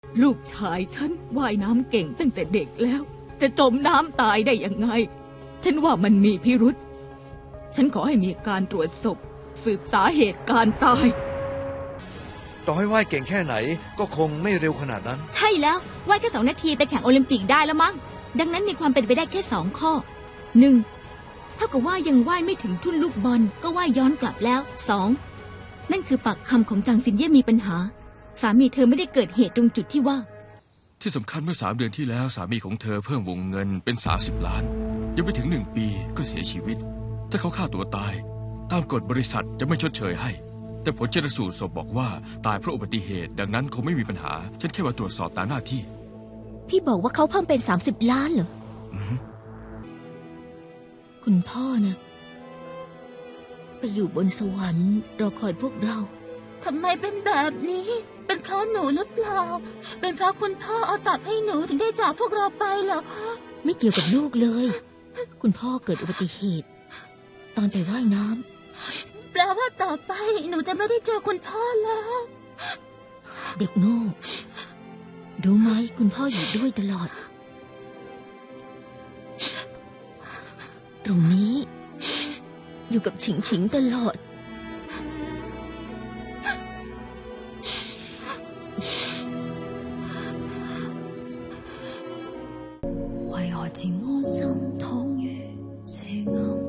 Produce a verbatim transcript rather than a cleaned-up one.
ลูกชายฉันว่ายน้ำเก่งตั้งแต่เด็กแล้ว จะจมน้ำตายได้ยังไงฉันว่ามันมีพิรุษฉันขอให้มีการตรวจศพสืบสาเหตุการตายต่อให้ว่ายเก่งแค่ไหนก็คงไม่เร็วขนาดนั้นใช่แล้วว่ายแค่สองนาทีไปแข่งโอลิมปิกได้แล้วมั้งดังนั้นมีความเป็นไปได้แค่สองข้อหนึ่งเท่ากับว่ายังว่ายไม่ถึงทุ่นลูกบอลก็ว่ายย้อนกลับแล้วสองนั่นคือปากคำของจางซินเย่มีปัญหาสามีเธอไม่ได้เกิดเหตุตรงจุดที่ว่าที่สำคัญเมื่อสามเดือนที่แล้วสามีของเธอเพิ่มวงเงินเป็นสามสิบล้านยังไม่ถึงหนึ่งปีก็เสียชีวิตถ้าเขาฆ่าตัวตายตามกฎบริษัทจะไม่ชดเชยให้แต่ผลชันสูตรศพบอกว่าตายเพราะอุบัติเหตุดังนั้นคงไม่มีปัญหาฉันแค่มาตรวจสอบตามหน้าที่พี่บอกว่าเขาเพิ่มเป็นสามสิบล้านเหรอคุณพ่อนะไปอยู่บนสวรรค์รอคอยพวกเราทำไมเป็นแบบนี้เป็นเพราะหนูหรือเปล่าเป็นเพราะคุณพ่อเอาตับให้หนูถึงได้จากพวกเราไปเหรอคะไม่เกี่ยวกับลูกเลยคุณพ่อเกิดอุบัติเหตุตอนไปว่ายน้ำแปลว่าต่อไปหนูจะไม่ได้เจอคุณพ่อแล้วเด็กโง่รู้ไหมคุณพ่ออยู่ด้วยตลอดตรงนี้อยู่กับฉิงฉิงตลอด为何漸安心躺於這暗